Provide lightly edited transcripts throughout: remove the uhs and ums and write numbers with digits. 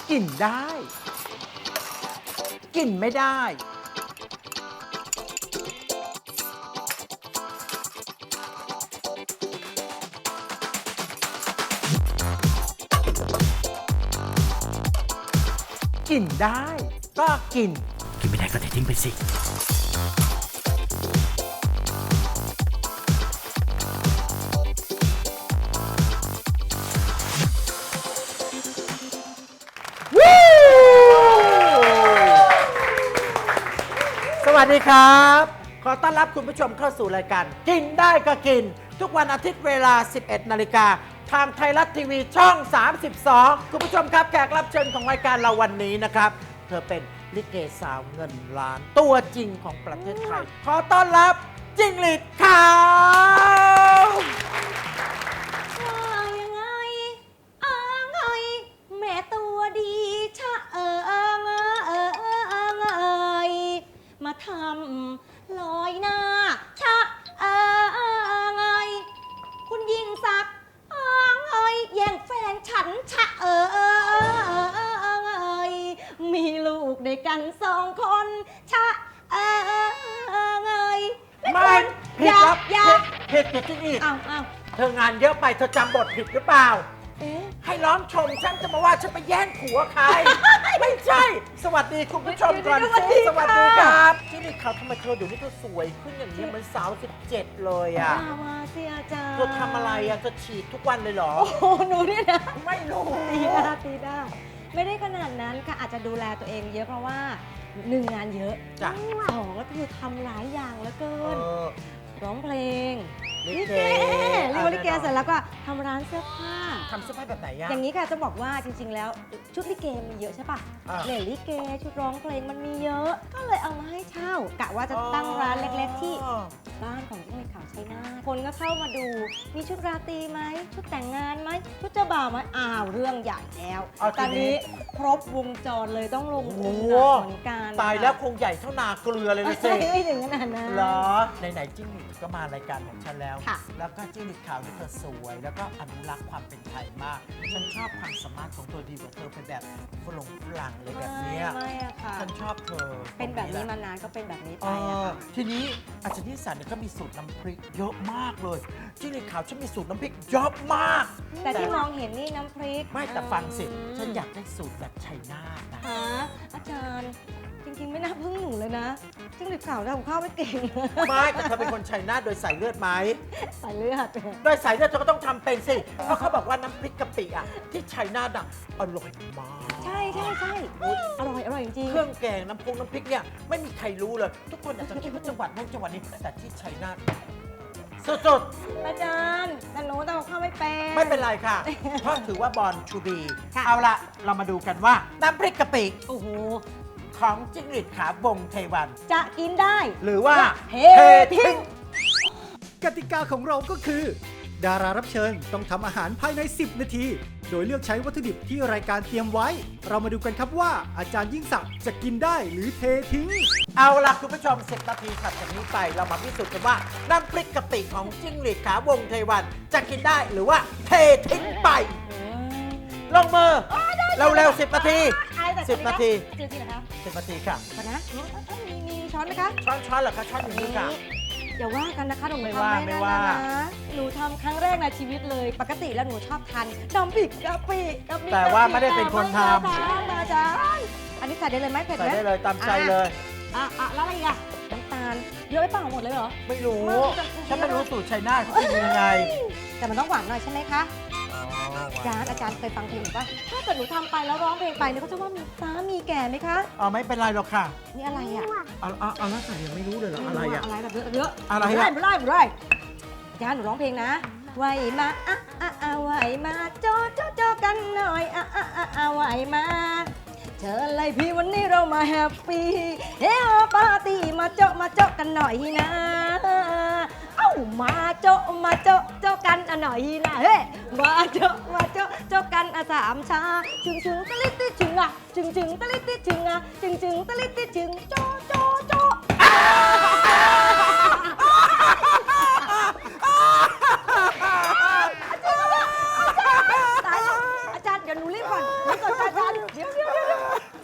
กินได้กินไม่ได้กินได้ก็กินกินไม่ได้ก็เททิ้งไปสิสวัสดีครับขอต้อนรับคุณผู้ชมเข้าสู่รายการกินได้ก็กินทุกวันอาทิตย์เวลา 11 นาฬิกาทางไทยรัฐทีวีช่อง 32 คุณผู้ชมครับแขกรับเชิญของรายการเราวันนี้นะครับเธอเป็นลิเกสาวเงินล้านตัวจริงของประเทศไทยขอต้อนรับจิ้งหรีดขาวยังไงไงแม่ตัวดีชะมาทำลอยหน้าชะไงคุณยิ่งศักดิ์แย่งแฟนฉันชะมีลูกด้วยกัน2 คนชะไงไม่ผิดครับผิดจิ้งหรีดเธองานเยอะไปเธอจำบทผิดหรือเปล่าให้ร้องชมฉันจะมาว่าฉันไปแย่งผัวใคร ไม่ใช่ สวัสดีคุณผู้ชมก่อนสิสวัสดีครับจิ้งหรีดขาวทำไมเธอเดี๋ยวนี้เธอสวยขึ้นอย่างนี้เหมือนสาว17เลยอ่ะมาสิอาจารย์เธอทำอะไรอ่ะเธอฉีดทุกวันเลยเหรอโอ้โหหนูเนี่ยนะไม่รู้ตีได้ไม่ได้ขนาดนั้นค่ะอาจจะดูแลตัวเองเยอะเพราะว่า1งานเยอะ2ก็คือทำหลายอย่างเหลือเกินร้องเพลงลิเกลิเกเสร็จแล้วก็ทำร้านเสื้อผ้าทำเสื้อผ้าแบบไหนอะอย่างนี้ค่ะจะบอกว่าจริงๆแล้วชุดลิเกมีเยอะใช่ปะเหล่ลิเกชุดร้องเพลงมันมีเยอะก็เลยเอามาให้เช่ากะว่าจะตั้งร้านเล็กๆที่บ้านของจิ้งหรีดขาวชัยนาทคนก็เข้ามาดูมีชุดราตรีไหมชุดแต่งงานไหมชุดเจ้าบ่าวไหมเรื่องใหญ่แล้วตอนนี้ครบวงจรเลยต้องลงทุนเหมือนกันตายแล้วคงใหญ่เท่านาเกลือเลยนะสิไม่ถึงขนาดนั้นเหรอไหนๆจิ้งหรีดก็มารายการของฉันแล้วแล้วก็จิ้งหรีดขาวนี่เธอสวยแล้วก็อนุรักษ์ความเป็นไทยมากฉันชอบความสามารถของเธอดีกว่าเธอเป็นแบบฝรั่งเลยแบบนี้ฉันชอบเธอเป็นแบบนี้มานานก็เป็นแบบนี้ไปทีนี้อาจารย์นิสสันเนี่ยก็มีสูตรน้ำพริกเยอะมากเลยจิ้งหรีดขาวฉันมีสูตรน้ำพริกเยอะมากแต่ที่มองเห็นนี่น้ำพริกไม่แต่ฟังสิฉันอยากได้สูตรแบบชัยนาทนะอาจารย์จริงๆไม่น่าพึ่งหนูเลยนะจิ้งหรีดขาวทำข้าวไม่เก่งไม่แต่เธอเป็นคนชัยนาทโดยสายเลือดไหมสายเลือดโดยสายเลือดเธอก็ต้องทำเป็นสิเพราะเขาบอกว่าน้ำพริกกะปิอ่ะที่ชัยนาทอ่ะอร่อยมากใช่อร่อยจริงเครื่องแกงน้ำพริกเนี่ยไม่มีใครรู้เลยทุกคนอาจจะคิดว่าจังหวัดนู้นจังหวัดนี้แต่ที่ชัยนาทสุดๆอาจารย์แต่หนูทำข้าวไม่เป็นไม่เป็นไรค่ะเพราะถือว่าบอลชูบีเอาละเรามาดูกันว่าน้ำพริกกะปิโอ้โหของจิ้งหรีดขาววงเทวันจะกินได้หรือว่าเททิ้งกติกาของเราก็คือดารารับเชิญต้องทำอาหารภายใน10 นาทีโดยเลือกใช้วัตถุดิบที่รายการเตรียมไว้เรามาดูกันครับว่าอาจารย์ยิ่งศักดิ์จะกินได้หรือเททิ้งเอาล่ะคุณผู้ชม10 นาทีถัดจากนี้ไปเรามาพิสูจน์กันว่าน้ำพริกกะปิของจิ้งหรีดขาววงเทวันจะกินได้หรือว่าเททิ้งไปลงมือเร็วๆ10 นาที10 นาที10 นาทีค่ะนะมีช้อนไหมคะช้อนเหรอคะช้อนอย่างนี้ค่ะอย่าว่ากันนะคะหนูทำไม่ว่าหนูทำครั้งแรกในชีวิตเลยปกติแล้วหนูชอบทานน้ำพริกกะปิแต่ว่าไม่ได้เป็นคนทำอาจารย์อันนี้ใส่ได้เลยไหมเผ็ดไหมใส่ได้เลยตามใจเลยแล้วอะไรอีกอะน้ำตาลเยอะไปเปล่าหมดเลยเหรอไม่รู้ฉันไม่รู้สูตรชัยนาทเขากินยังไงแต่มันต้องหวานหน่อยใช่ไหมคะอาจารย์เคยฟังเพลงหรือเปล่าถ้าเกิดหนูทำไปแล้วร้องเพลงไปเนี่ยเขาจะว่ามีสามีแก่ไหมคะไม่เป็นไรหรอกค่ะนี่อะไรอ่ะแล้วใส่ยังไม่รู้เลยเหรออะไรอ่ะอะไรแบบเยอะอะไรอ่ะไม่ได้อาจารย์หนูร้องเพลงนะไหวมาไหวมาโจกันหน่อยไหวมาเชิญเลยพี่วันนี้เรามาแฮปปี้ปาร์ตี้มาโจกันหน่อยนะมาโจกันหน่อยนะเฮ้มาโจกัน3 ชาจึงตะลิติจึงจึงตะลิติจึงจึงตะลิติจึงโจตายแล้วอาจารย์เดี๋ยวหนูรีบก่อนอาจารย์เดี๋ยว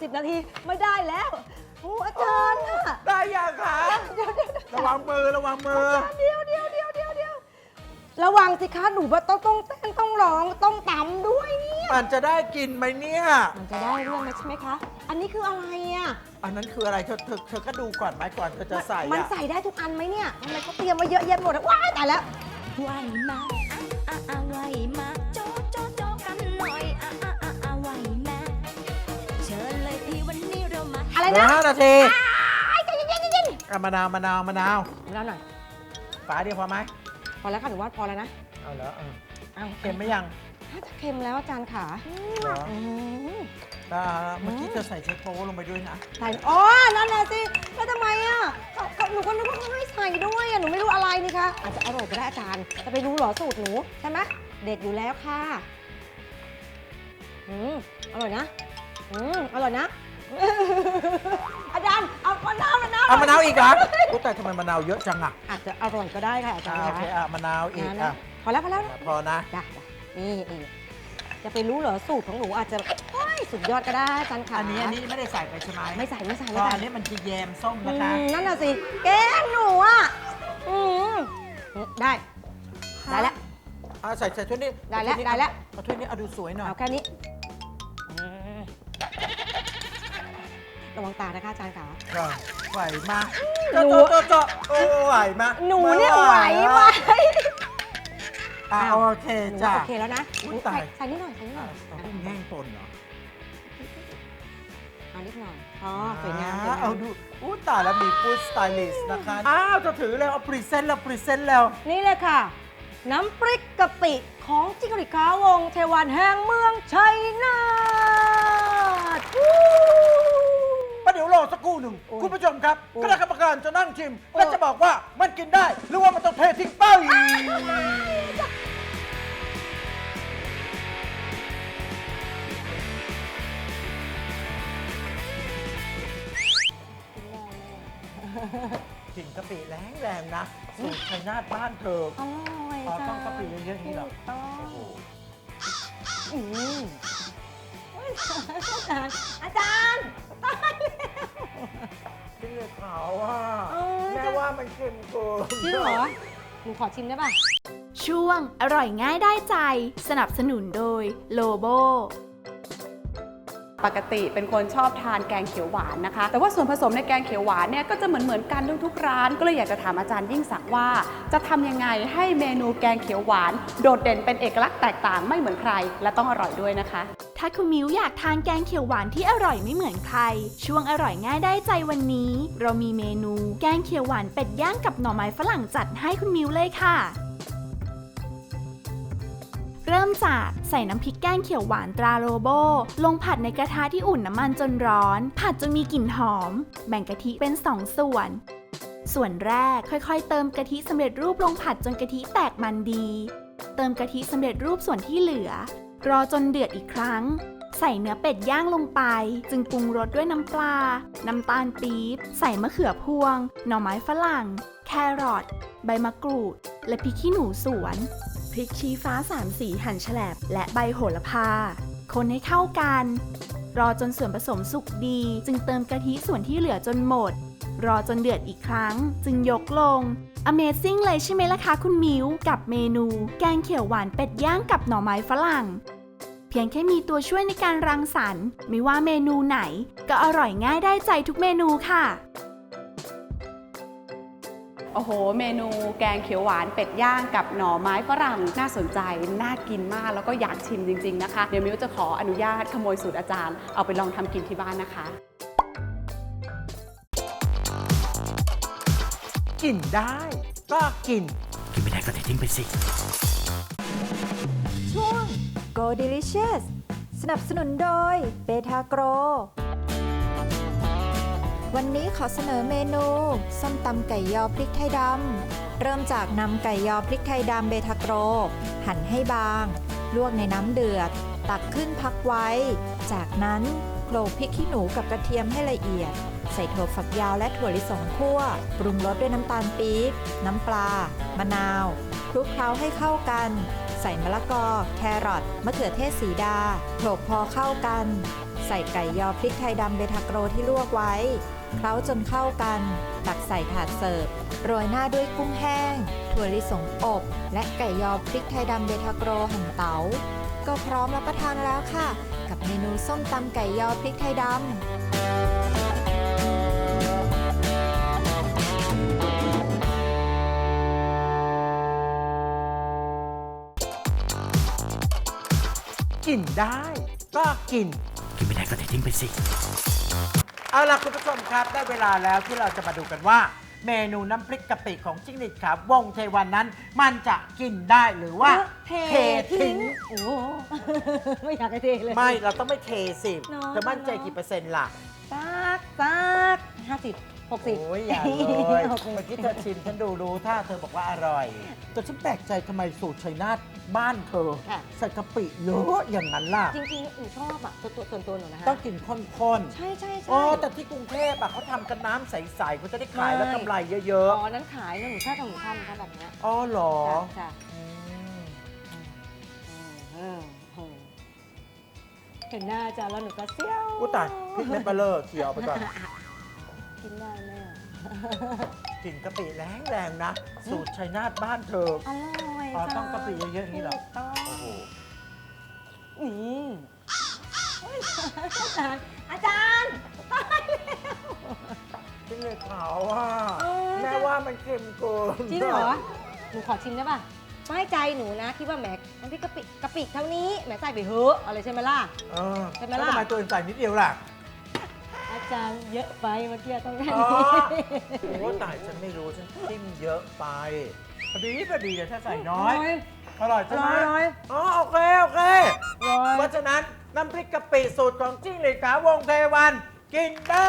10 นาทีไม่ได้แล้วโอ้อาจารย์อะได้ยังคะระวังมือระวังมือเดี๋ยวระวังสิคะหนูว่าต้องเต้นต้องร้องต้องตำด้วยเนี่ยมันจะได้กินไหมเนี่ยมันจะได้เรื่องนะใช่ไหมคะ อันนี้คืออะไรอ่ะอันนั้นคืออะไรเธอก็ดูก่อนไหมก่อนเธอจะใส่มันอะใส่ได้ทุกอันไหมเนี่ยทำไมเขาเตรียมมาเยอะแยะหมดอะว้ายตายแล้วไหวมาไหวมาโจะกันหน่อยไหวมาเชิญเลยพี่วันนี้เรามาอะไรเหลือนะ 5 นาทีใจเย็นๆอ่ะมะนาวแล้วหน่อยฝาเดียวพอไหมพอแล้วค่ะหนูว่าพอแล้วนะเอาแล้วเอาเค็มไหมยังถ้าจะเค็มแล้วอาจารย์ขาเหรออืมเมื่อกี้เธอใส่เชฟโป๊ลงไปด้วยนะใส่อ๋อนั่นน่ะสิแล้วทำไมอ่ะหนูก็นึกว่าเขาให้ใส่ด้วยอ่ะหนูไม่รู้อะไรนี่คะอาจจะอร่อยก็ได้อาจารย์จะไปรู้เหรอสูตรหนูใช่ไหมเด็ดอยู่แล้วค่ะอร่อยนะอร่อยนะ อาจารย์เอามะนาวเอามะนาวอีกเหรออุ๊ยแต่ทำไมมะนาวเยอะจังอ่ะอาจจะอร่อยก็ได้ค่ะอาจารย์โอเคมะนาวอีกนะพอแล้วพอนะจ้ะนี่จะไปรู้เหรอสูตรของหนูอาจจะโอ้ยสุดยอดก็ได้อาจารย์ขาอันนี้ไม่ได้ใส่ไปใช่ไหมไม่ใส่เพราะอันนี้มันคือแยมส้มนะคะนั่นน่ะสิแกงหนูอ่ะได้แล้วใส่ถ้วยนี้ได้แล้วเอาถ้วยนี้เอาดูสวยหน่อยเอาแค่นี้ระวังตานะคะอาจารย์ขาไหวมากหนูโอ้ไหวมากหนูเนี่ยไหวไหมโอเคจ้ะโอเคแล้วนะอุ๊ยตายใส่นิดหน่อยต้องแห้งปนเหรอเอานิดหน่อยอ๋อสวยงามเอาดูตายแล้วมีฟู้ดสไตลิสต์นะคะอ้าวจะถือเลยเอาพรีเซนต์แล้วนี่เลยค่ะ น้ำพริกกะปิของจิกริกาวงศ์เทวันแห่งเมืองชัยนาทประเดี๋ยวรอสักครู่หนึ่งโอ้ยคุณผู้ชมครับโอ้ยคณะกรรมการจะนั่งชิมโอ้ยและจะบอกว่ามันกินได้ หรือว่ามันต้องเททิ้งไปกลิ่นกะปิแรงนะสูตรชัยนาทบ้านเธออร่อยต้องกะปิเยอะๆนี่เหรอต้องโอ้โหอาจารย์ตายแล้วที่เหลือขาวอ่ะเออแม่ว่ามันเค็มเกินจริงเหรอ หนูขอชิมได้ป่ะช่วงอร่อยง่ายได้ใจ สนับสนุนโดยโลโบปกติเป็นคนชอบทานแกงเขียวหวานนะคะ แต่ว่าส่วนผสมในแกงเขียวหวานเนี่ยก็จะเหมือนกันทุกร้าน ก็เลยอยากจะถามอาจารย์ยิ่งศักดิ์ว่า จะทำยังไงให้เมนูแกงเขียวหวาน โดดเด่นเป็นเอกลักษณ์แตกต่างไม่เหมือนใคร และต้องอร่อยด้วยนะคะถ้าคุณมิวอยากทานแกงเขียวหวานที่อร่อยไม่เหมือนใคร ช่วงอร่อยง่ายได้ใจวันนี้ เรามีเมนูแกงเขียวหวานเป็ดย่างกับหน่อไม้ฝรั่งจัดให้คุณมิวเลยค่ะ เริ่มจากใส่น้ำพริกแกงเขียวหวานตราโลโบลงผัดในกระทะที่อุ่นน้ำมันจนร้อน ผัดจนมีกลิ่นหอม แบ่งกะทิเป็น2 ส่วน ส่วนแรกค่อยๆ เติมกะทิสำเร็จรูปลงผัดจนกะทิแตกมันดี เติมกะทิสำเร็จรูปส่วนที่เหลือ รอจนเดือดอีกครั้ง ใส่เนื้อเป็ดย่างลงไป จึงปรุงรสด้วยน้ำปลา น้ำตาลปี๊บ ใส่มะเขือพวง หน่อไม้ฝรั่ง แครอท ใบมะกรูด และพริกขี้หนูสวน พริกชี้ฟ้า3 สีหั่นแฉลบและใบโหระพา คนให้เข้ากัน รอจนส่วนผสมสุกดี จึงเติมกะทิส่วนที่เหลือจนหมด รอจนเดือดอีกครั้ง จึงยกลง Amazing เลยใช่ไหมล่ะคะคุณมิวกับเมนูแกงเขียวหวานเป็ดย่างกับหน่อไม้ฝรั่ง เพียงแค่มีตัวช่วยในการรังสรรค์ไม่ว่าเมนูไหน ก็อร่อยง่ายได้ใจทุกเมนูค่ะโอ้โห เมนูแกงเขียวหวานเป็ดย่างกับหน่อไม้ฝรั่งน่าสนใจ น่ากินมากแล้วก็อยากชิมจริงๆนะคะ เดี๋ยวมิวจะขออนุญาตขโมยสูตรอาจารย์เอาไปลองทำกินที่บ้านนะคะกินได้ก็กินไม่ได้ก็เททิ้งไปสิช่วง Go Delicious สนับสนุนโดยเบทาโกรวันนี้ขอเสนอเมนูส้มตำไก่ยอพริกไทยดำเริ่มจากนำไก่ยอพริกไทยดำเบทาโกรหั่นให้บางลวกในน้ำเดือดตักขึ้นพักไว้ จากนั้นโขลกพริกขี้หนูกับกระเทียมให้ละเอียด ใส่ถั่วฝักยาวและถั่วลิสงคั่วปรุงรสด้วยน้ำตาลปี๊บน้ำปลามะนาวคลุกเคล้าให้เข้ากันใส่มะละกอแครอทมะเขือเทศสีดาโขลกพอเข้ากันใส่ไก่ยอพริกไทยดำเบทาโกรที่ลวกไว้เคล้าจนเข้ากันตักใส่ถาดเสิร์ฟโรยหน้าด้วยกุ้งแห้งถั่วลิสงอบและไก่ยอพริกไทยดำเบทาโกรหั่นเต๋าก็พร้อมรับประทานแล้วค่ะกับเมนูส้มตำไก่ยอพริกไทยดำกินได้ก็กินไม่ได้ก็ทิ้งไปสิเอาล่ะคุณผู้ชมครับได้เวลาแล้วที่เราจะมาดูกันว่า เมนูน้ำพริกกะปิของจิ้งหรีดขาววงเทวันนั้น มันจะกินได้หรือว่าเททิ้งโอ้ ไม่อยากให้เทเลยไม่เราต้องไม่เทสิเนอะเธอมั่นใจกี่เปอร์เซ็นต์ล่ะซัก50 60 โอ้ยอย่าเลย เมื่อกี้เธอชิมฉันดูรู้ถ้าเธอบอกว่าอร่อยแต่ฉันแปลกใจทำไมสูตรชัยนาทบ้านเธอค่ะใส่กะปิเยอะอย่างนั้นล่ะจริงๆหนูชอบอ่ะส่วนตัวหนูนะคะต้องกินข้นๆใช่ใช่โอ้แต่ที่กรุงเทพอะเขาทำกันน้ำใสๆเขาจะได้ขายแล้วกำไรเยอะอ๋อนั้นขายนะหนูชอบทำหนูทำแบบเนี้ยๆอ๋อเหรอจ้ะอืมเห็นหน้าอาจารย์แล้วหนูก็เซี่ยวอุ้ยตายพริกเม็ดเบลเลอร์เคี้ยวไปก่อนกินได้แม่กลิ่นกะปิแรงๆนะ สูตรชัยนาทบ้านเธออร่อยอ๋อต้องกะปิเยอะๆอย่างนี้เหรอถูกต้องโอ้โหอาจารย์ตายแล้วจริงเลยขาวอ่ะเออแม่ว่ามันเค็มเกินจริงเหรอ หนูขอชิมได้ป่ะไม่ใจหนูนะคิดว่าแหมน้ำพริกกะปิเท่านี้แหมใส่ไปเถอะอะไรใช่ไหมล่ะเออใช่ไหมแล้วล่ะทำไมตัวเองใส่นิดเดียวล่ะอาจารย์เยอะไปเมื่อกี้ต้องแค่อ๋อนี้โอ้ตายฉันไม่รู้ฉันจิ้มเยอะไปพอดีเดี๋ยวถ้าใส่น้อย อร่อยใช่ไหมอร่อยอ๋อโอเคร้อยเพราะฉะนั้นน้ำพริกกะปิสูตรของจิ้งหรีดขาววงเทวัน กินได้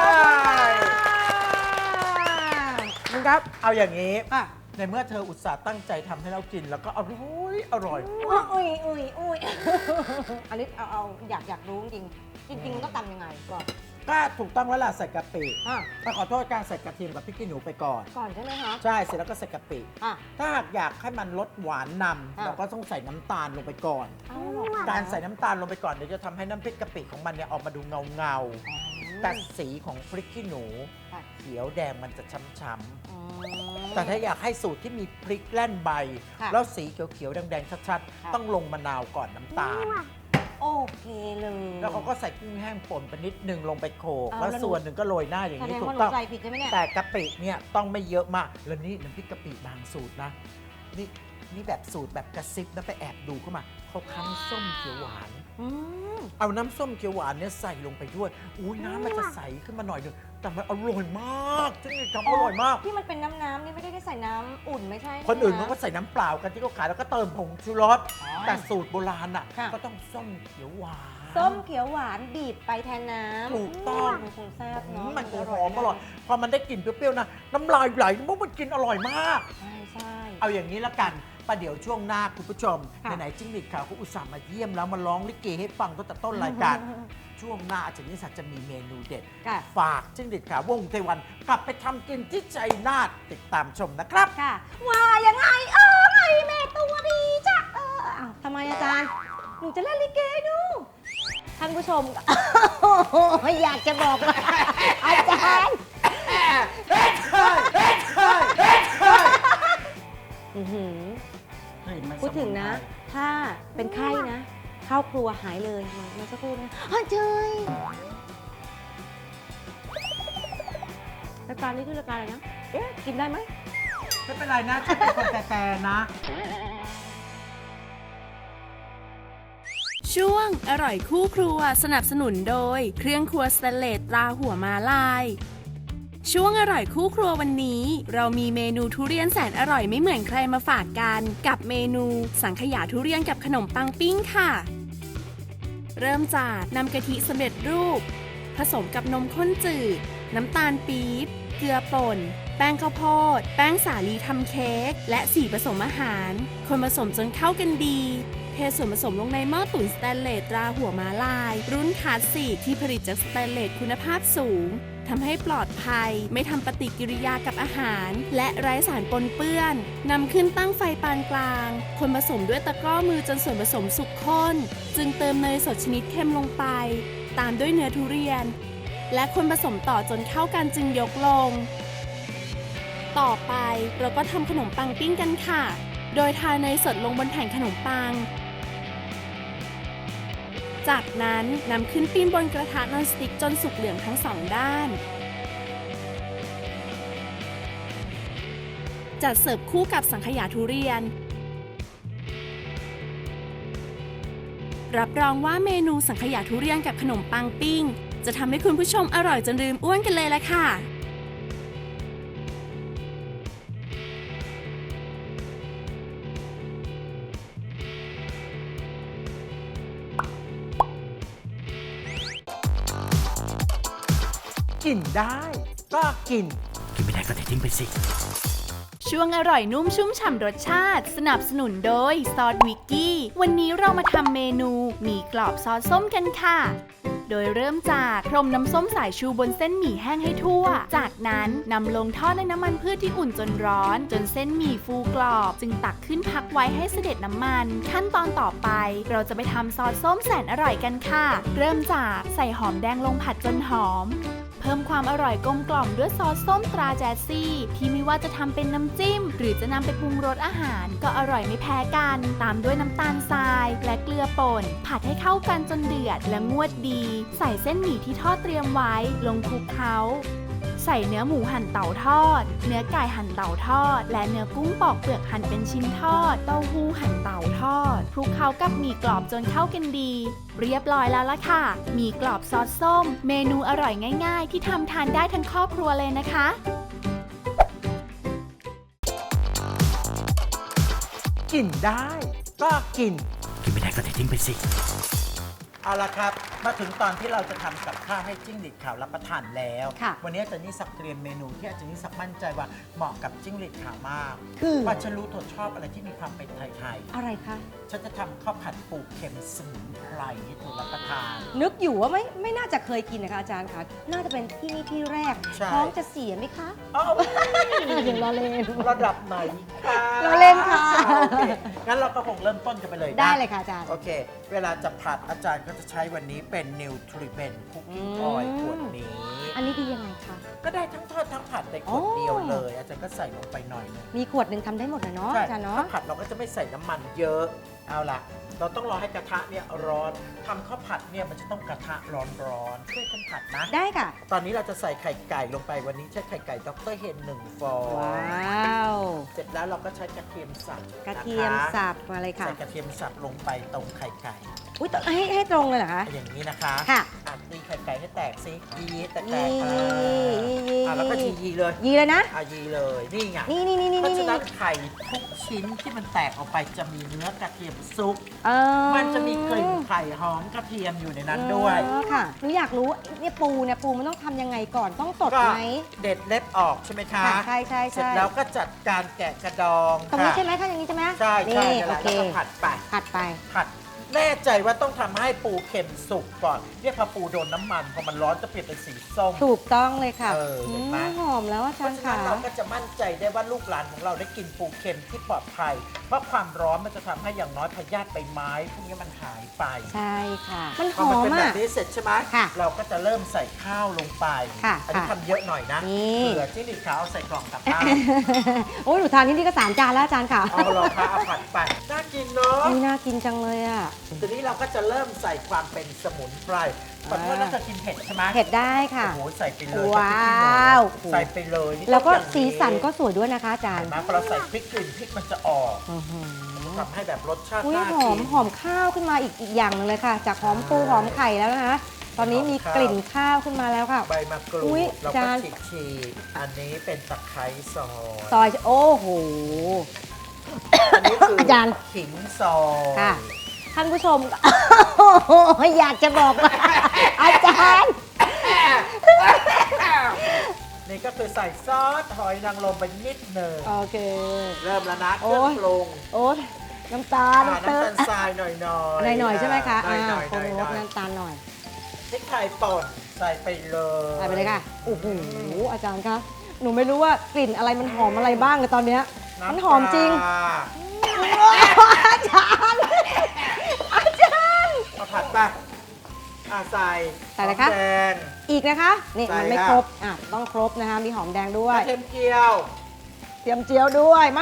มึงครับ เอาอย่างนี้อ่ะในเมื่อเธออุตส่าห์ตั้งใจทำให้เรากินแล้วก็อร่อยอุ้ยอันนี้เอาอยากรู้จริงมันต้องทำยังไงก่อนก็ถูกต้องแล้วล่ะใส่กะปิอ่ะถ้าขอโทษการใส่กระเทียมกับพริกขี้หนูไปก่อนก่อนใช่ไหมคะใช่เสร็จแล้วก็ใส่กะปิอ่ะถ้าหากอยากให้มันลดหวานนำอ่ะเราก็ต้องใส่น้ำตาลลงไปก่อนเอาหรอการใส่น้ำตาลลงไปก่อนเดี๋ยวจะทำให้น้ำพริกกะปิของมันเนี่ยออกมาดูเงาๆ แต่สีของพริกขี้หนูค่ะเขียวแดงมันจะช้ำอืมๆแต่ถ้าอยากให้สูตรที่มีพริกแล่นใบค่ะแล้วสีเขียวๆแดงๆชัดค่ะๆ ต้องลงมะนาวก่อนน้ำตาลโอเคเลยแล้วเขาก็ใส่กุ้งแห้งป่นไปนิดนึงลงไปโขลกเอาแล้วแล้วส่วนหนึ่งก็โรยหน้าอย่างแสดนี้งถูว่าก หนูต้องใส่ผิดใช่ไหมเนี่ยแต่กะปิเนี่ยต้องไม่เยอะมาก แล้วนี่น้ำพริกกะปิบางสูตรนะ นี่แบบสูตรแบบกระซิบนะไปแอบดูเข้ามาเขาคั้นส้มเขียวหวานอืมเอาน้ำส้มเขียวหวานเนี่ยใส่ลงไปด้วยอุ้ยน้ำมันจะใสขึ้นมาหน่อยหนึงแต่มันอร่อยมากจริงๆทำอร่อยมากที่มันเป็นน้ำนี่ไม่ได้ใส่น้ำอุ่นไม่ใช่คนอื่นเขาะก็ใส่น้ำเปล่ากันที่เขาขายแล้วก็เติมผงชูรสอ๋อแต่สูตรโบราณอ่ะค่ะก็ต้องส้มเขียวหวานส้มเขียวหวานบีบไปแทนน้ำถูกต้องมันคงแซ่บเนาะมันคงหอมอร่อยพอมันได้กลิ่นเปรี้ยวๆนะน้ำลายไหลมันกินอร่อยมากใช่เอาอย่างนี้ละกันประเดี๋ยวช่วงหน้าคุณผู้ชมค่ะไหนๆจิ้งหรีดขาวเขาอุตส่าห์มาเยี่ยมแล้วมาร้องลิเกให้ฟังตั้งแต่ต้นรายการ ช่วงหน้าอาจารย์นิสัตจะมีเมนูเด็ดค่ะฝากจิ้งหรีดขาววงเทวันกลับไปทำกินที่ชัยนาทติดตามชมนะครับค่ะว่ายังไงแม่ตัวดีจ้ะอ้าวทำไมอาจารย์หนูจะเล่นลิเกดูท่านผู้ชม อยากจะบอกว่าอาจารย์อื้อหือพูดถึงนะ ถ้าเป็นไข้นะ เข้าครัวหายเลยมันสักครู่นะเจยรายการนี้คือรายการอะไรนะ เอ๊ะ กินได้ไหมไม่เป็นไรนะฉันเป็นคนแต่นะช่วงอร่อยคู่ครัวสนับสนุนโดยเครื่องครัวสแตนเลสตราหัวม้าลาย ช่วงอร่อยคู่ครัววันนี้ เรามีเมนูทุเรียนแสนอร่อยไม่เหมือนใครมาฝากกันกับเมนูสังขยาทุเรียนกับขนมปังปิ้งค่ะ เริ่มจากนำกะทิสำเร็จรูป ผสมกับนมข้นจืด น้ำตาลปี๊บเกลือป่น แป้งข้าวโพดแป้งสาลีทำเค้กและสีผสมอาหารคนผสมจนเข้ากันดีเทส่วนผสมลงในหม้อตุ๋นสแตนเลสตราหัวม้าลาย รุ่นคลาสสิกที่ผลิตจากสแตนเลสคุณภาพสูงทำให้ปลอดภัยไม่ทำปฏิกิริยากับอาหาร และไร้สารปนเปื้อนนำขึ้นตั้งไฟปานกลางคนผสมด้วยตะกร้อมือจนส่วนผสมสุกข้นจึงเติมเนยสดชนิดเค็มลงไปตามด้วยเนื้อทุเรียน และคนผสมต่อจนเข้ากันจึงยกลง ต่อไปเราก็ทำขนมปังปิ้งกันค่ะ โดยทาเนยสดลงบนแผ่นขนมปัง จากนั้นนำขึ้นปิ้งบนกระทะนอนสติ๊กจนสุกเหลืองทั้งสองด้าน จัดเสิร์ฟคู่กับสังขยาทุเรียน รับรองว่าเมนูสังขยาทุเรียนกับขนมปังปิ้งจะทำให้คุณผู้ชมอร่อยจนลืมอ้วนกันเลยละค่ะกินได้ก็กินไม่ได้ก็ทิ้งไปสิช่วงอร่อยนุ่มชุ่มฉ่ำรสชาติสนับสนุนโดยซอสวิกกี้วันนี้เรามาทำเมนูหมี่กรอบซอสส้มกันค่ะ โดยเริ่มจากพรมน้ำส้มสายชูบนเส้นหมี่แห้งให้ทั่ว จากนั้นนำลงทอดในน้ำมันพืชที่อุ่นจนร้อน จนเส้นหมี่ฟูกรอบจึงตักขึ้นพักไว้ให้เสด็จน้ำมัน ขั้นตอนต่อไปเราจะไปทำซอสส้มแสนอร่อยกันค่ะ เริ่มจากใส่หอมแดงลงผัดจนหอม เพิ่มความอร่อยกลมกล่อมด้วยซอสส้มตราแจซี่ที่ไม่ว่าจะทำเป็นน้ำจิ้มหรือจะนำไปปรุงรสอาหารก็อร่อยไม่แพ้กันตามด้วยน้ำตาลทรายและเกลือป่นผัดให้เข้ากันจนเดือดและงวดดีใส่เส้นหมี่ที่ทอดเตรียมไว้ลงคลุกเคล้าใส่เนื้อหมูหั่นเต่าทอดเนื้อไก่หั่นเต่าทอดและเนื้อกุ้งปอกเปลือกหั่นเป็นชิ้นทอดเต้าหู้หั่นเต่าทอดคลุกเคล้ากับหมี่กรอบจนเข้ากันดีเรียบร้อยแล้วล่ะค่ะหมี่กรอบซอสส้มเมนูอร่อยง่ายๆที่ทำทานได้ทั้งครอบครัวเลยนะคะกินได้ก็กินไม่ได้ก็ทิ้งไปสิเอาละครับมาถึงตอนที่เราจะทำกับข้าวให้จิ้งหรีดขาวรับประทานแล้วค่ะวันนี้อาจารย์นิสักเตรียมเมนูที่อาจารย์นิสักมั่นใจว่าเหมาะกับจิ้งหรีดขาวมากคือว่าฉันรู้เธอชอบอะไรที่มีความเป็นไทยอะไรคะๆฉันจะทำข้าวผัดปูเค็มสมุนไพรให้เธอรับประทานนึกอยู่ว่าไม่น่าจะเคยกินนะคะอาจารย์คะน่าจะเป็นที่นี่ที่แรกใช่ท้องจะเสียไหมคะอ้าวเดี๋ยวรอเล่นระดับไหนคะเราเล่นค่ะโอเคงั้นเราก็คงเริ่มต้นกันไปเลยนะได้เลยค่ะอาจารย์โอเค เวลาจะผัดอาจารย์ก็จะใช้วันนี้เป็น Nutriment Cooking Oil ขวดนี้อันนี้ดียังไงคะก็ได้ทั้งทอดทั้งผัดในขวดเดียวเลย อาจารย์ก็ใส่ลงไปหน่อยนึงมีขวดหนึ่งทำได้หมดเลยเนาะใช่อาจารย์เนาะข้าวผัดเราก็จะไม่ใส่น้ำมันเยอะ เอาล่ะ เราต้องรอให้กระทะเนี่ยร้อนทำข้าวผัดเนี่ยมันจะต้องกระทะร้อนๆช่วยกันผัดนะได้ค่ะตอนนี้เราจะใส่ไข่ไก่ลงไปวันนี้ใช้ไข่ไก่ดรเฮน1 ฟองว้าวเสร็จแล้วเราก็ใช้กระเทียมสับกระเทียมนะคะสับมาเลยค่ะใส่กระเทียมสับลงไปตรงไข่ไก่อุ้ยต้องให้ตรงเลยเหรอคะอย่างนี้นะคะค่ะตีไข่ไก่ให้แตกซิยีแตกยีแล้วก็ยีเลยยีเลยนะยีเลยนี่ไงนี่เพราะฉะนั้นไข่ทุกชิ้นที่มันแตกออกไปจะมีเนื้อกระเทียมซุป มันจะมีกลิ่นไข่หอมกระเทียมอยู่ในนั้นด้วยค่ะหนูอยากรู้เนี่ยปูมันต้องทำยังไงก่อนต้องตดก็ไหมเด็ดเล็บออกใช่ไหมคะค่ะใช่เสร็จแล้วก็จัดการแกะกระดองตรงนี้ค่ะใช่ไหมคะอย่างนี้ใช่ไหมใช่ใช่นี่แล้วโอเคก็ผัดไปผัดไปผัดแน่ใจว่าต้องทำให้ปูเค็มสุกก่อนเนี่ยพอปูโดนน้ำมันพอมันร้อนจะเปลี่ยนเป็นสีส้มถูกต้องเลยค่ะเห็นไหมหอมแล้วอาเพจารราะย์ฉะนั้ค่ะนเราก็จะมั่นใจได้ว่าลูกหลานของเราได้กินปูเค็มที่ปลอดภัย เพราะความร้อนมันจะทำให้อย่างน้อยพยาธิใบไม้พวกนี้มันหายไปใช่ค่ะ มันหพออมันมเป็นแบอ่ะบนี้เสร็จใช่ไหมค่ะเราก็จะเริ่มใส่ข้าวลงไปค่ะอันี้ค่ะทำเยอะหน่อยนะนี่เผื่อจิ้งหรีดขาวเอาใส่กล่องกลับบ้านโอ้ยหนูทานที่นี่ก็3 จานแล้วอาจารย์ค่ะเอาเราค่ะเอาผัดไปน่ากินเนาะนี่น่ากินจังเลยอ่ะทีนี้เราก็จะเริ่มใส่ความเป็นสมุนไพรขอโทษนะจะกินเผ็ดใช่ไหมเผ็ดได้ค่ะโอ้โหใส่ไปเลยว้าวใส่ไปเลยนี่แล้วก็ต้องอย่างสีสันก็สวยด้วยนะคะอาจารย์เห็นไหมพอเราใส่พริกกลิ่นพริกมันจะออกอื้อหือทำให้แบบรสชาติอุ้ยน่าหอกิมนหอมข้าวขึ้นมาอีกอย่างหนึงเลยค่ะ จากหอมปูหอมไข่แล้วนะคะ ตอนนี้มีกลิ่นข้าวขึ้นมาแล้วค่ะใบมะกรูอุ๊ยดเราจาก็นฉีกๆอันนี้เป็นตะไคร้ซอยซอยโอ้โหอันนี้คือจานขิงซอยค่ะ ท่านผู้ชม อยากจะบอกว่า อาจารย์นี่ก็คือใส่ซอสหอยนางรมไปนิดหนึ่งโอเคเริ่มแล้วนะเคโอ้รื่องยปรุงโอ้น้ำตาลน้ำตาลทรายหน่อยๆหน่อยๆใช่ไหมคะหน่อยปรุงรสๆน้ำตาลหน่อยพริกไทยป่นใส่ไปเลยใส่ไปเลยค่ะ โอ้โห อาจารย์คะ หนูไม่รู้ว่ากลิ่นอะไรมันหอมอะไรบ้างเลยตอนเนี้ย มันหอมจริงน้ำปลาอาจารย์ อาจารย์เอาผัดไปใส่ใส่อะไรคะหอมแดงอีกนะคะ นี่ใส่มันไม่ค่ะครบ ต้องครบนะคะ มีหอมแดงด้วกยระเทียมเจียวเตรียมเจียวด้วยมา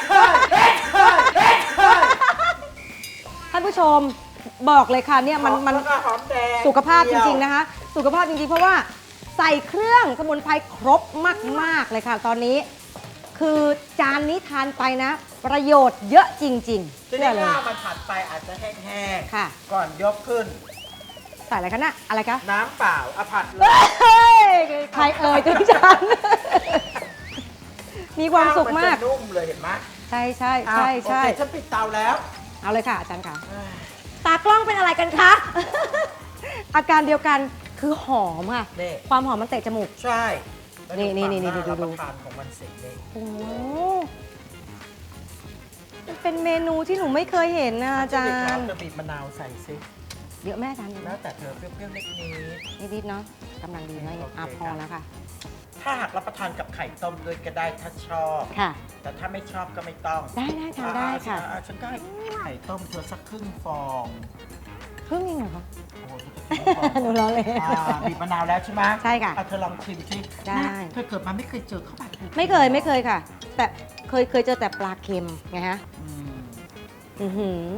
ท่านผู้ชมบอกเลยค่ะเนี่ยมันแล้วก็หอมแดงสุขภาพจริงๆนะคะ สุขภาพจริงๆ เพราะว่าใส่เครื่องสมุนไพรครบมากๆเลยค่ะ ตอนนี้ คือจานนี้ทานไปนะ ประโยชน์เยอะจริงๆทีเชื่นี้อเลยข้าวมันผัดไปอาจจะแห้งค่ะๆก่อนยกขึ้นใส่อะไรคะน่ะอะไรคะน้ำเปล่าเอาผัดเลยเฮ้ยใครเอ่ยถึงฉัน มีความสุขมากนจะนุ่มเลยเห็นไหมใช่ใช่ใช่ใช่โอเคฉันปิดเตาแล้วเอาเลยค่ะอาจารย์ค่ะ ตากล้องเป็นอะไรกันคะ อาการเดียวกันคือหอมค่ะนี่ความหอมมันเตะจมูกใช่แล้วนี่ดูดูความดูน่ารับประทานของมันเสร็จเลยโอ้โหมันเป็นเมนูที่หนูไม่เคยเห็นนะอาจารย์จะบีบมะนาวใส่ซิเยอะแม่อาจารย์แล้วแต่เธอเปรี้ยวๆเล็กนี้นิดๆเนาะกำลังดีไหมโอเคพอแล้วค่ะถ้าหากรับประทานกับไข่ต้มด้วยก็ได้ถ้าชอบค่ะแต่ถ้าไม่ชอบก็ไม่ต้องได้ทานได้ค่ะฉันก็ให้ไข่ต้มเธอสักครึ่งฟองครึ่งเองเหรอคะโอ้โหเธอจะครึ่งฟองหนูล้อเล่นบีบมะนาวแล้วใช่ไหมใช่ค่ะเธอลองชิมสิได้เธอเกิดมาไม่เคยเจอข้าวผัดปูไม่เคยค่ะ แต่เคยเจอแต่ปลาเค็มไงฮะอืมอือหือ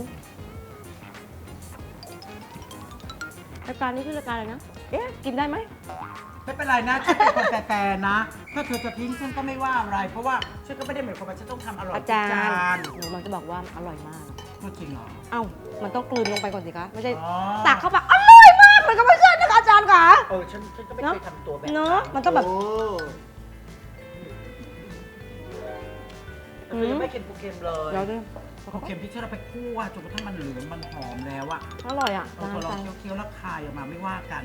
รายการนี้คือรายการอะไรนะ เอ๊ะ กินได้ไหมไม่เป็นไรนะฉันเป็นคนแต่นะ ถ้าเธอจะทิ้งฉันก็ไม่ว่าอะไร เพราะว่าฉันก็ไม่ได้หมายความว่าฉันต้องทำอร่อยอาทุกจารจานย์ หนูมันจะบอกว่าอร่อยมากพูดจริงเหรอเอ้า มันต้องกลืนลงไปก่อนสิคะ ไม่ใช่อ๋อตักเข้าไปอร่อยมาก มันก็ไม่ใช่นะคะอาจารย์ค่ะฉันก็ไม่เนอะเคยทำตัวแบบเนอะมันต้องแบบโเธอยังไม่กินปูเค็มเลยเราด้วยปูเค็มที่เราไปคั่วจนกระทั่งมันเหลืองมันหอมแล้วอะอร่อยอ่ะเราลองเคี้ยวๆแล้วคายออกมาไม่ว่ากัน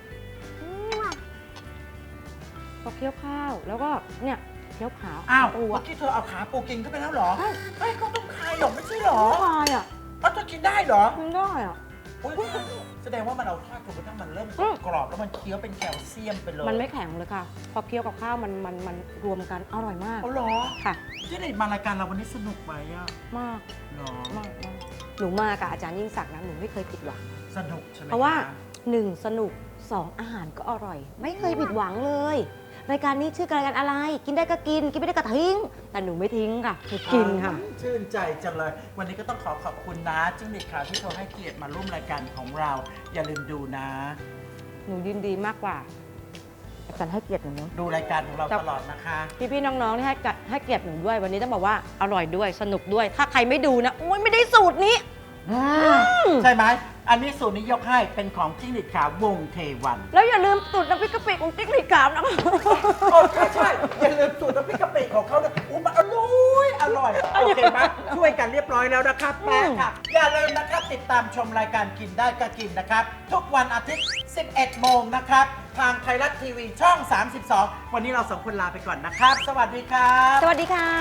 พอเคี้ยวข้าว แล้วก็เนี่ยเคี้ยวขาอ้าวปูเมื่อ่ะอกี้เธอเอาขาปูกินเข้าไปแล้วเหรอเฮ้ยเขาต้องคายหรอกไม่ใช่เหรออร่อยอ่ะเธอกินได้เหรอกินได้อ่ะอุ๊ยแสดงว่ามันเอาทอดจนกระทั่งมันเริ่มอืมกรอบแล้วมันเคี้ยวเป็นแคลเซียมไปเลยมันไม่แข็งเลยค่ะ พอเคี้ยวกับข้าวมันรวมกันอร่อยมากเอาเหรอค่ะที่ไหนมารายการเราวันนี้สนุกไหมอะมากเหรอมากหนูมากับอาจารย์ยิ่งศักดิ์นะหนูไม่เคยผิดหวังสนุกใช่ไหมเพราะว่าค 1 สนุก 2 อาหารก็อร่อย ไม่เคยผิดหวังเลย รายการนี้ชื่อรายการอะไร กินได้ก็กิน กินไม่ได้ก็ทิ้ง แต่หนูไม่ทิ้งค่ะหนูกินค่ะชื่นใจจังเลย วันนี้ก็ต้องขอบคุณนะจิ้งหรีดขาวที่เธอให้เกียรติมาร่วมรายการของเรา อย่าลืมดูนะหนูยินดีมากกว่าอาจารย์ให้เกียรติหนูเนอะดูรายการของเราตลอดนะคะพี่ๆน้องๆที่ให้เกียรติหนูด้วย วันนี้ต้องบอกว่าอร่อยด้วยสนุกด้วย ถ้าใครไม่ดูนะโอ๊ยไม่ได้สูตรนี้ใช่ไหม อันนี้สูตรนี้ยกให้เป็นของจิ้งหรีดขาววงเทวันแล้วอย่าลืมสูตรน้ำพริกกะปิของติ๊กหลีกามนะโอ้ใช่อย่าลืมสูตรน้ำพริกกะปิของเขานะมันอร่อยโอเคไหมช่วยกันเรียบร้อยแล้วนะครับแม่ค่ะ อย่าลืมนะครับติดตามชมรายการกินได้ก็กินนะครับ ทุกวันอาทิตย์ 11 โมงนะครับ ทางไทยรัฐทีวีช่อง 32 วันนี้เราสองคนลาไปก่อนนะครับ สวัสดีครับสวัสดีค่ะ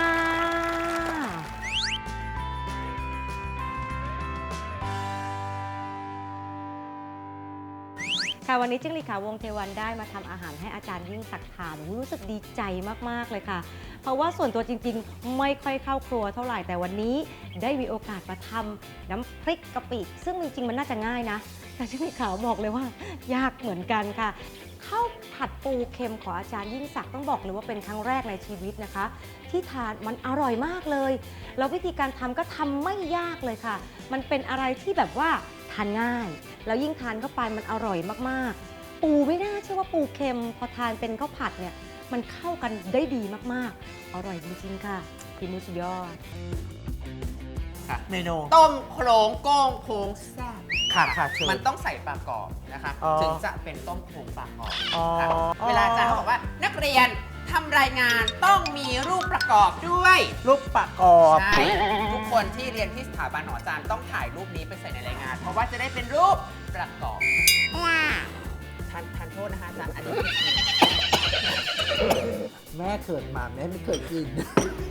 ค่ะวันนี้จิ้งหรีดขาววงเทวันได้มาทำอาหารให้อาจารย์ยิ่งศักดิ์ทานรู้สึกดีใจมากๆเลยค่ะ เพราะว่าส่วนตัวจริงๆ ไม่ค่อยเข้าครัวเท่าไหร่แต่วันนี้ได้มีโอกาสมาทำน้ำพริกกะปิซึ่งจริงๆมันน่าจะง่ายนะแต่จิ้งหรีดขาวบอกเลยว่ายากเหมือนกันค่ะข้าวผัดปูเค็มของอาจารย์ยิ่งศักดิ์ต้องบอกเลยว่าเป็นครั้งแรกในชีวิตนะคะ ที่ทานมันอร่อยมากเลยแล้ววิธีการทำก็ทำไม่ยากเลยค่ะ มันเป็นอะไรที่แบบว่าทานง่ายแล้วยิ่งทานเข้าไปมันอร่อยมากๆ ปูไม่น่าเชื่อว่าปูเค็มพอทานเป็นข้าวผัดเนี่ยมันเข้ากันได้ดีมากๆ อร่อยจริงๆค่ะพี่มุสุดยอดเมนูต้มโครงโก้งโค้งแซ่บค่ะเชิญมันต้องใส่ปลากรอบนะคะอ๋อถึงจะเป็นต้มโครงปลากรอบอ๋อค่ะเวลาอาจารย์เขาบอกว่านักเรียนทำรายงานต้องมีรูปประกอบด้วยลูกประกอบใช่ทุกคนที่เรียนที่สถาบันหออาจารย์ต้องถ่ายรูปนี้ไปใส่ในรายงาน เพราะว่าจะได้เป็นรูปประกอบทานโทษนะคะอาจารย์อันนี้แม่เกิดมาแม่ไม่เคยกิน